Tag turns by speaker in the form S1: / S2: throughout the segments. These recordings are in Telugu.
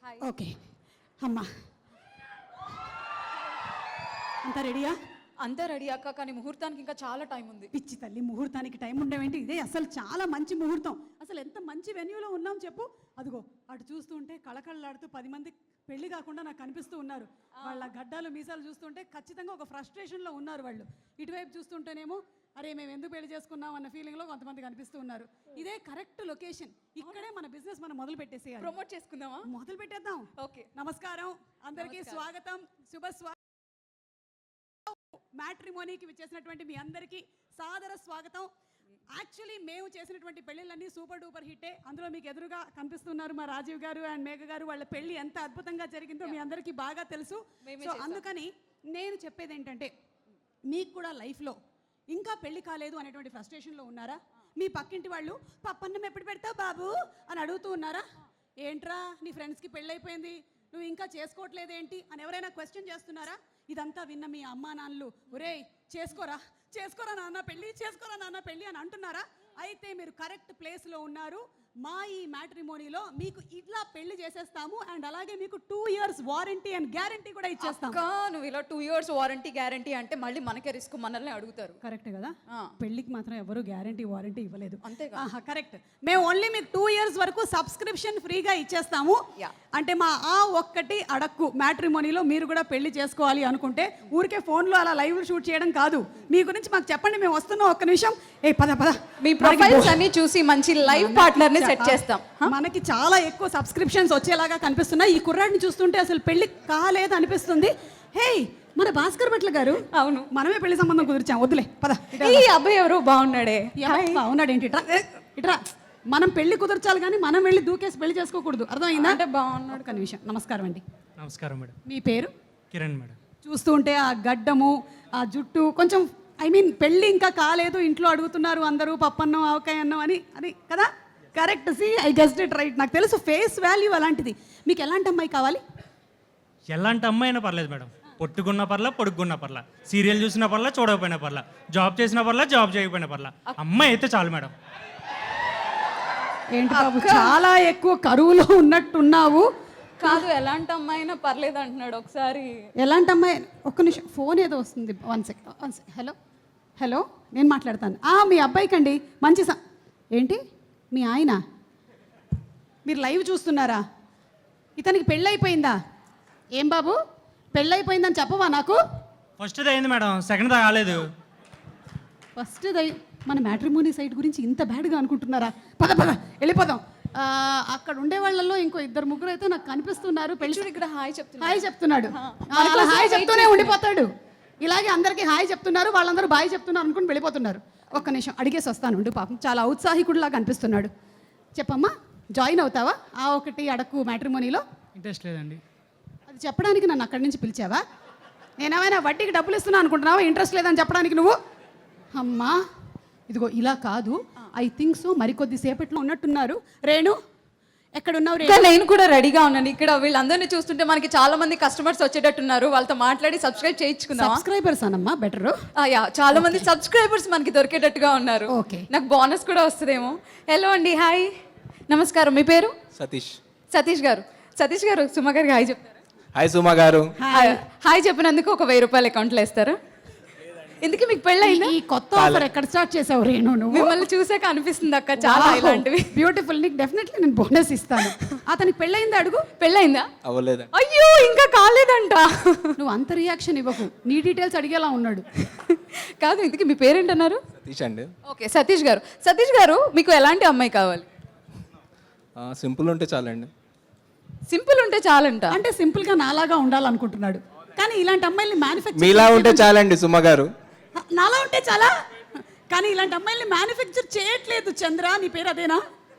S1: ఓకే అమ్మా అంతా రెడీయా?
S2: అంతా రెడీ అక్క, కానీ ముహూర్తానికి ఇంకా చాలా టైం ఉంది.
S1: పిచ్చి తల్లి, ముహూర్తానికి టైం ఉండేవేంటి? ఇదే అసలు చాలా మంచి ముహూర్తం. అసలు ఎంత మంచి వెన్యూలో ఉన్నాం చెప్పు. అదిగో అటు చూస్తుంటే కళకళలాడుతూ 10 మంది పెళ్లి కాకుండా నాకు కనిపిస్తూ ఉన్నారు. వాళ్ళ గడ్డాలు మీసాలు చూస్తుంటే ఖచ్చితంగా ఒక ఫ్రస్ట్రేషన్లో ఉన్నారు వాళ్ళు. ఇటువైపు చూస్తుంటేనేమో అరే మేము ఎందుకు పెళ్లి చేసుకున్నాం అన్న ఫీలింగ్లో కొంతమంది కనిపిస్తూ ఉన్నారు. ఇదే కరెక్ట్ లొకేషన్. ఇక్కడే మన బిజినెస్ మనం మొదలు పెట్టేసేయాలి.
S2: ప్రమోట్ చేసుకుందామా?
S1: మొదలు పెట్టేద్దాం.
S2: ఓకే,
S1: నమస్కారం అందరికీ, స్వాగతం, మ్యాట్రిమోనీకి విచ్చేసినటువంటి మీ అందరికీ సాదర స్వాగతం. యాక్చువల్లీ మేము చేసినటువంటి పెళ్ళిళ్ళన్నీ సూపర్ డూపర్ హిట్టే. అందులో మీకు ఎదురుగా కనిపిస్తున్నారు మా రాజీవ్ గారు అండ్ మేఘ గారు. వాళ్ళ పెళ్లి ఎంత అద్భుతంగా జరిగిందో మీ అందరికీ బాగా తెలుసు. సో అందుకని నేను చెప్పేది ఏంటంటే, మీకు కూడా లైఫ్లో ఇంకా పెళ్లి కాలేదు అనేటువంటి ఫ్రస్ట్రేషన్లో ఉన్నారా? మీ పక్కింటి వాళ్ళు పప్పన్నం ఎప్పుడు పెడతావు బాబు అని అడుగుతూ ఉన్నారా? ఏంట్రా నీ ఫ్రెండ్స్కి పెళ్ళైపోయింది, నువ్వు ఇంకా చేసుకోవట్లేదేంటి అని ఎవరైనా క్వశ్చన్ చేస్తున్నారా? ఇదంతా విన్న మీ అమ్మా నాన్నలు ఒరేయ్ చేసుకోరా చేసుకోరా నాన్న పెళ్ళి, చేసుకోరా నాన్న పెళ్ళి అని అంటున్నారా? అయితే మీరు కరెక్ట్ ప్లేస్లో ఉన్నారు. మా ఈ మ్యాట్రిమోనీలో మీకు ఇట్లా పెళ్లి చేసేస్తాము అండ్ అలాగే మీకు 2 years వారంటీ అండ్ గ్యారంటీ కూడా ఇచ్చేస్తాం.
S2: నువ్వు ఇలా 2 years వారంటీ గ్యారంటీ అంటే మళ్ళీ మనకే రిస్క్, మనల్ని అడుగుతారు.
S1: కరెక్ట్ కదా? పెళ్లికి మాత్రం ఎవరు గ్యారంటీ వారంటీ ఇవ్వలేదు.
S2: అంతేగా?
S1: కరెక్ట్. మేము ఓన్లీ మీకు 2 years వరకు సబ్స్క్రిప్షన్ ఫ్రీగా ఇచ్చేస్తాము. అంటే మా ఆ ఒక్కటి అడక్కు మ్యాట్రిమోనీలో మీరు కూడా పెళ్లి చేసుకోవాలి అనుకుంటే ఊరికే ఫోన్లో అలా లైవ్ షూట్ చేయడం కాదు. మీ గురించి మాకు చెప్పండి, మేము వస్తున్నాం, ఒక్క నిమిషం. పద పద,
S2: మీ ప్రొఫైల్స్ అన్ని చూసి మంచి లైవ్ పార్ట్నర్ ని సెట్ చేస్తాం.
S1: మనకి చాలా ఎక్కువ సబ్స్క్రిప్షన్స్ వచ్చేలాగా కనిపిస్తున్నాయి. ఈ కుర్రాడిని చూస్తుంటే అసలు పెళ్లి కాలేదు అనిపిస్తుంది. హే మన భాస్కర్ భట్ల గారు.
S2: అవును,
S1: మనమే పెళ్లి సంబంధం కుదిర్చాం, వద్దులే పద.
S2: ఈ అబ్బాయి ఎవరు బాగున్నాడే?
S1: బాగున్నాడు ఏంటి? ఇట్రా మనం పెళ్లి కుదర్చాలి కానీ మనం వెళ్ళి దూకేసి పెళ్లి చేసుకోకూడదు, అర్థమైందా?
S2: అంటే బాగున్నాడు.
S1: ఒక నిమిషం. నమస్కారం అండి.
S3: నమస్కారం మేడం.
S1: మీ పేరు?
S3: కిరణ్ మేడం.
S1: చూస్తూ ఉంటే ఆ గడ్డము ఆ జుట్టు కొంచెం పెళ్ళి ఇంకా కాలేదు, ఇంట్లో అడుగుతున్నారు అందరూ పప్పన్నం ఆవకాయ అన్నం అని, అది కదా? Correct. See I guessed it right. నాకు తెలుసు ఫేస్ వాల్యూ అలాంటిది. మీకు ఎలాంటి అమ్మాయి కావాలి?
S3: ఎలాంటి అమ్మాయి అయినా పర్లేదు మేడం. పొట్టుకున్న పర్లా, పొడుగున్న పర్లా, సీరియల్ చూసిన పర్లా, చూడకపోయినా పర్లా, జాబ్ చేసిన పర్లా, జాబ్ చేయకపోయినా పర్లా, అమ్మాయి అయితే చాలు మేడం.
S1: ఏంటి బాబు చాలా ఎక్కువ కరువులో ఉన్నట్టున్నావు.
S2: కాదు, ఎలాంటి అమ్మాయి అయినా పర్లేదు అంటున్నాడు. ఒకసారి
S1: ఎలాంటి అమ్మాయి? ఒక్క నిమిషం, ఫోన్ ఏదో వస్తుంది. 1 second. హలో హలో, నేను మాట్లాడతాను. మీ అబ్బాయికి అండి మంచి ఏంటి మీ ఆయన? మీరు లైవ్ చూస్తున్నారా? ఇతనికి పెళ్ళైపోయిందా? ఏం బాబు పెళ్ళైపోయిందని చెప్పవా నాకు?
S3: ఫస్ట్ అయింది మేడం, సెకండ్ కాలేదు.
S1: ఫస్ట్ మన మ్యాట్రిమోనీ సైట్ గురించి ఇంత బ్యాడ్గా అనుకుంటున్నారా? పద పద వెళ్ళిపోదాం. అక్కడ ఉండే వాళ్ళల్లో ఇంకో 2-3 అయితే నాకు కనిపిస్తున్నారు. పెళ్లి
S2: ఇక్కడ హాయ్
S1: చెప్తున్నాడు. హాయ్ చెప్తూనే ఉండిపోతాడు. ఇలాగే అందరికీ హాయ్ చెప్తున్నారు, వాళ్ళందరూ బాయ్ చెప్తున్నారు అనుకుని వెళ్ళిపోతున్నారు. ఒక్క నిమిషం అడిగేసి వస్తాను ఉండు. పాపం చాలా ఔత్సాహికుడిలాగా అనిపిస్తున్నాడు. చెప్పమ్మా, జాయిన్ అవుతావా ఆ ఒకటి అడక్కు మ్యాట్రిమోనీలో?
S3: ఇంట్రెస్ట్ లేదండి.
S1: అది చెప్పడానికి నన్ను అక్కడి నుంచి పిలిచావా? నేనేమైనా వడ్డీకి డబ్బులు ఇస్తున్నా అనుకుంటున్నావా ఇంట్రెస్ట్ లేదని చెప్పడానికి నువ్వు? అమ్మా ఇదిగో ఇలా కాదు. ఐ థింక్ సో మరికొద్ది సేపట్లో ఉన్నట్టున్నారు. రేణు ఎక్కడున్నావు?
S2: నేను కూడా రెడీగా ఉన్నాను. ఇక్కడ వీళ్ళందరినీ చూస్తుంటే మనకి చాలా మంది కస్టమర్స్ వచ్చేటట్టున్నారు. వాళ్ళతో మాట్లాడి సబ్స్క్రైబ్ చేయించుకుందాం.
S1: సబ్స్క్రైబర్స్ అనమ్మా బెటర్.
S2: చాలా మంది సబ్స్క్రైబర్స్ మనకి దొరికేటట్టుగా ఉన్నారు.
S1: ఓకే, నాకు
S2: బోనస్ కూడా వస్తుందేమో. హలో అండి, హాయ్, నమస్కారం. మీ పేరు? సతీష్ గారు. సతీష్ గారు సుమ గారికి హాయ్ చెప్తారా?
S4: హాయ్ సుమ గారు.
S2: హాయ్ చెప్పినందుకు ఒక 1000 రూపాయలు అకౌంట్లో వేస్తారా? ఎందుకు మీకు పెళ్ళైందా?
S1: ఈ కొత్త ఆఫర్ ఎక్కడ స్టార్ట్ చేసావు రేణు? నువ్వు
S2: మిమ్మల్ని చూసాక అనిపిస్తుంది అక్క చాలా ఇలాంటివి.
S1: బ్యూటిఫుల్. నీకు డెఫినెట్లీ నేను బోనస్ ఇస్తాను. అతనికి పెళ్ళైందా అడుగు.
S2: పెళ్ళైందా?
S4: అవ్వలేదా?
S2: అయ్యో ఇంకా కాలేదంట.
S1: నువ్వు అంత రియాక్షన్ ఇవ్వకు, నీ డీటెయిల్స్ అడిగేలా ఉన్నాడు.
S2: కాదు, ఇందుకు మీ పేరేంటన్నారు?
S4: సతీష్ అండి.
S2: ఓకే, సతీష్ గారు. సతీష్ గారు మీకు ఎలాంటి అమ్మాయి కావాలి?
S4: సింపుల్ ఉంటే చాలండి.
S2: సింపుల్ ఉంటే చాలంట.
S1: అంటే సింపుల్ గా నాలాగా ఉండాలనుకుంటున్నాడు, కానీ ఇలాంటి అమ్మాయిల్ని మ్యానుఫ్యాక్చర్
S4: మీలా ఉంటే చాలండి సుమ గారు.
S1: నాలా ఉంటే చాలా, కానీ ఇలాంటి అమ్మాయిల్ని మ్యానుఫ్యాక్చర్ చేయట్లేదు. చంద్ర నీ పేరు అదేనా?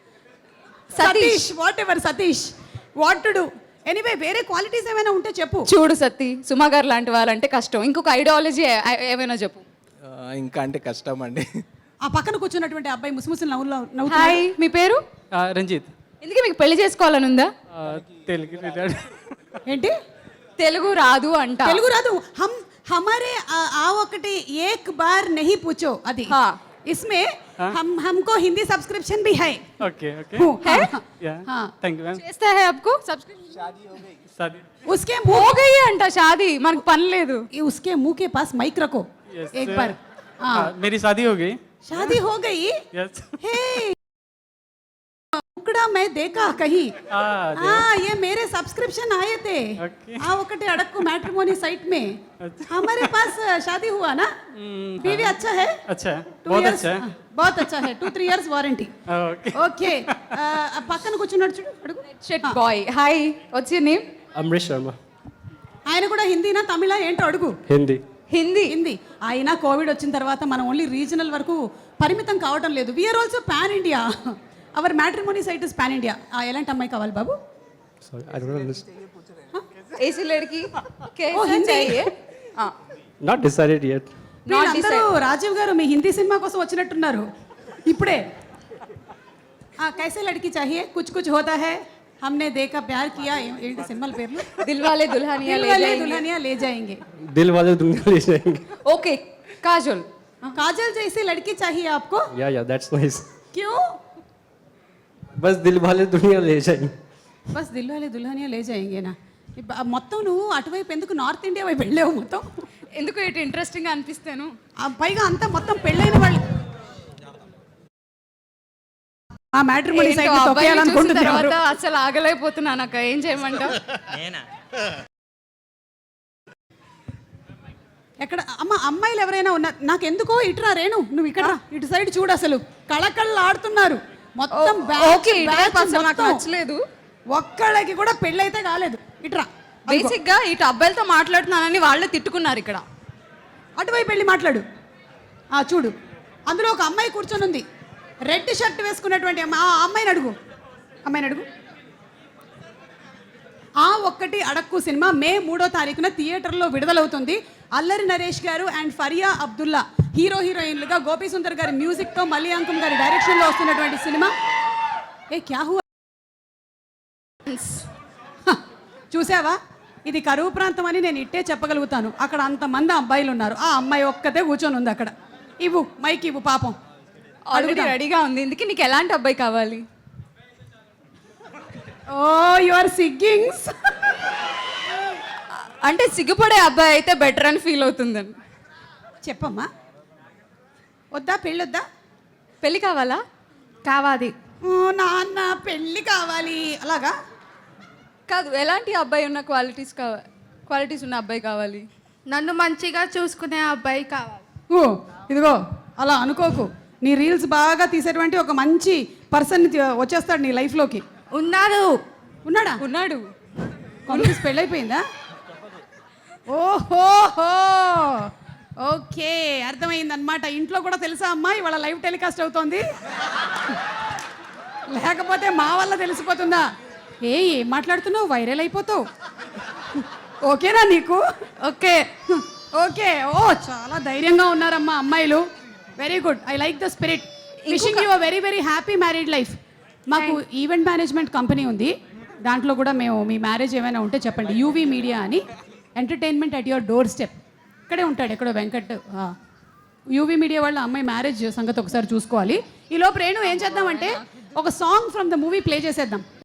S1: Satish. Whatever Satish, what to do. Anyway వేరే క్వాలిటీస్ ఏమైనా ఉంటే చెప్పు.
S2: చూడు సతీ, సుమ గారు లాంటి వాళ్ళంటే కష్టం. ఇంకొక ఐడియాలజీ ఏమైనా చెప్పు.
S4: ఇంకా అంటే కష్టం అండి.
S1: ఆ పక్కన కూర్చున్నటువంటి అబ్బాయి ముసుముసు నవ్వు.
S2: హాయ్, మీ పేరు?
S3: రంజిత్.
S2: ఎందుకు మీకు పెళ్లి చేసుకోవాలని ఉందా?
S3: తెలుగు
S1: ఏంటి?
S2: తెలుగు రాదు అంట.
S1: తెలుగు రాదు. హమారే ఆ ఒకటి ఏక్ బార్ నహీ పూచో, అది इसमें हमको हिंदी सब्सक्रिप्शन भी है
S5: ओके ओके
S2: है
S5: या
S1: हाँ
S5: थैंक यू मैम
S2: చేస్తా है आपको सब्सक्रिप्शन
S5: शादी
S1: उसके मुंह
S2: हो गई అంట షాదీ మనకు పని లేదు
S1: उसके मुंह के पास माइक रखो
S5: Yes,
S1: एक बार हाँ
S5: मेरी शादी हो गई
S1: शादी हो गई
S5: यस
S1: हे उकड़ा मैं देखा कहीं हाँ ये मेरे सब्सक्रिप्शन आए थे
S5: Okay.
S1: हाँ ఒకటి అడక్కు मैट्रिमोनी साइट में हमारे पास शादी हुआ ना बीवी अच्छा है
S5: अच्छा है
S1: 2
S5: बहुत
S1: years,
S5: अच्छा है
S1: हाँ, बहुत अच्छा है 2-3 years वारंटी
S5: ओके
S1: ఓకే పక్కన కూర్చున్నాడు చూడు అడుగు
S2: షెట్ బాయ్ hi what's your name
S5: Amrish Sharma
S1: ఆయన కూడా హిందీనా తమిళ ఏంటో అడుగు
S5: हिंदी
S2: హిందీ
S1: హిందీ అయినా కోవిడ్ వచ్చిన తర్వాత మనం ఓన్లీ రీజనల్ వరకు పరిమితం కావడం లేదు we're also pan India our matrimony site is pan India ఎలాంటి అమ్మాయి కావాలి బాబు
S5: सॉरी आई डोंट अंडरस्टैंड
S2: ऐसी लड़की कैसा
S1: हिंदी?
S2: चाहिए हाँ
S5: नॉट डिसाइडेड येट
S1: వీళ్ళందరూ రాజీవ్ గారు మీ హిందీ సినిమా కోసం వచ్చినట్టున్నారు ఇప్పుడే కైసే లడ్కి చాహియే కుచ్ కుచ్ హోతా హై हमने देखा प्यार किया ఏంటి సినిమాల పేర్లు
S2: दिल वाले दुल्हनिया ले जाएंगे
S1: दुल्हनिया ले जाएंगे
S5: दिल वाले दुनिया ले जाएंगे
S2: ओके काजोल
S1: काजल जैसी लड़की चाहिए आपको
S5: या दैट्स नाइस
S1: क्यों
S5: बस दिल वाले दुनिया ले जाएंगे
S1: బస్ దిల్వాలే దుల్హనియా లే జాయింగేనా మొత్తం నువ్వు అటువైపు ఎందుకు నార్త్ ఇండియా వైపు వెళ్ళావు మొత్తం
S2: ఎందుకు ఇటు ఇంట్రెస్టింగ్ అనిపిస్తాను
S1: పైగా అంతా మొత్తం పెళ్ళైన వాళ్ళు ఆ మ్యాట్రిమోనీ
S2: ఏంటో
S1: సైట్
S2: అబ్బాయిని చూసిన
S1: తొక్కేయాలనుకుంటున్నారు
S2: తర్వాత అసలు ఆగలేకపోతున్నాను అక్క ఏం చేయమంటావు
S1: ఎక్కడ అమ్మ అమ్మాయిలు ఎవరైనా ఉన్నారు నాకు ఎందుకో ఇటురా రేణు నువ్వు ఇక్కడ రా. ఇటు సైడ్ చూడు అసలు కళకళలు ఆడుతున్నారు మొత్తం
S2: ఓకే ఇటువైపు అసలు నాకు నచ్చలేదు
S1: ఒక్కళ్ళకి కూడా పెళ్ళైతే కాలేదు ఇటురా
S2: బేసిక్ గా ఇటు అబ్బాయిలతో మాట్లాడుతున్నానని వాళ్ళే తిట్టుకున్నారు ఇక్కడ
S1: అటువైపు వెళ్ళి మాట్లాడు చూడు అందులో ఒక అమ్మాయి కూర్చొని ఉంది రెడ్ షర్ట్ వేసుకున్నటువంటి ఆ అమ్మాయిని అడుగు ఆ ఒక్కటి అడక్కు సినిమా మే 3వ తారీఖున థియేటర్లో విడుదలవుతుంది అల్లరి నరేష్ గారు అండ్ ఫరియా అబ్దుల్లా హీరోయిన్లుగా గోపీ సుందర్ గారి మ్యూజిక్తో మలియాంకం గారి డైరెక్షన్లో వస్తున్నటువంటి సినిమా క్యా హువా చూసావా ఇది కరువు ప్రాంతం అని నేను ఇట్టే చెప్పగలుగుతాను అక్కడ అంతమంది అబ్బాయిలు ఉన్నారు ఆ అమ్మాయి ఒక్కతే కూర్చొని ఉంది అక్కడ ఇవ్వు మైక్ ఇవ్వు పాపం
S2: ఆల్రెడీ రెడీగా ఉంది ఇందుకే నీకు ఎలాంటి అబ్బాయి కావాలి
S1: ఓ యు ఆర్ సిగ్గింగ్స్
S2: అంటే సిగ్గుపడే అబ్బాయి అయితే బెటర్ అని ఫీల్ అవుతుందని
S1: చెప్పమ్మా వద్దా పెళ్ళొద్దా
S2: పెళ్ళి కావాలా
S1: కావాలి నాన్న పెళ్ళి కావాలి అలాగా
S2: కాదు ఎలాంటి అబ్బాయి ఉన్న క్వాలిటీస్ ఉన్న అబ్బాయి కావాలి
S6: నన్ను మంచిగా చూసుకునే అబ్బాయి కావాలి
S1: ఓ ఇదిగో అలా అనుకోకు నీ రీల్స్ బాగా తీసేటువంటి ఒక మంచి పర్సన్ వచ్చేస్తాడు నీ లైఫ్లోకి
S6: ఉన్నారు
S1: ఉన్నాడా
S2: ఉన్నాడు
S1: కాంగ్రెస్ పెళ్ళైపోయిందా ఓహోహో ఓకే అర్థమైందనమాట ఇంట్లో కూడా తెలుసా అమ్మా ఇవాళ లైవ్ టెలికాస్ట్ అవుతోంది లేకపోతే మా వల్ల తెలిసిపోతుందా ఏం మాట్లాడుతున్నావు వైరల్ అయిపోతావు ఓకేనా నీకు ఓకే ఓకే ఓ చాలా ధైర్యంగా ఉన్నారమ్మా అమ్మాయిలు very good I like the spirit wishing you very very happy married life మాకు ఈవెంట్ మేనేజ్మెంట్ కంపెనీ ఉంది దాంట్లో కూడా మేము మీ మ్యారేజ్ ఏమైనా ఉంటే చెప్పండి యూవీ మీడియా అని entertainment at your door step ఇక్కడే ఉంటాడు ఎక్కడో వెంకట్ యూవీ మీడియా వాళ్ళ అమ్మాయి మ్యారేజ్ సంగతి ఒకసారి చూసుకోవాలి ఈ లోపు రేణు ఏం చేద్దామంటే ఒక song from the movie play చేసేద్దాం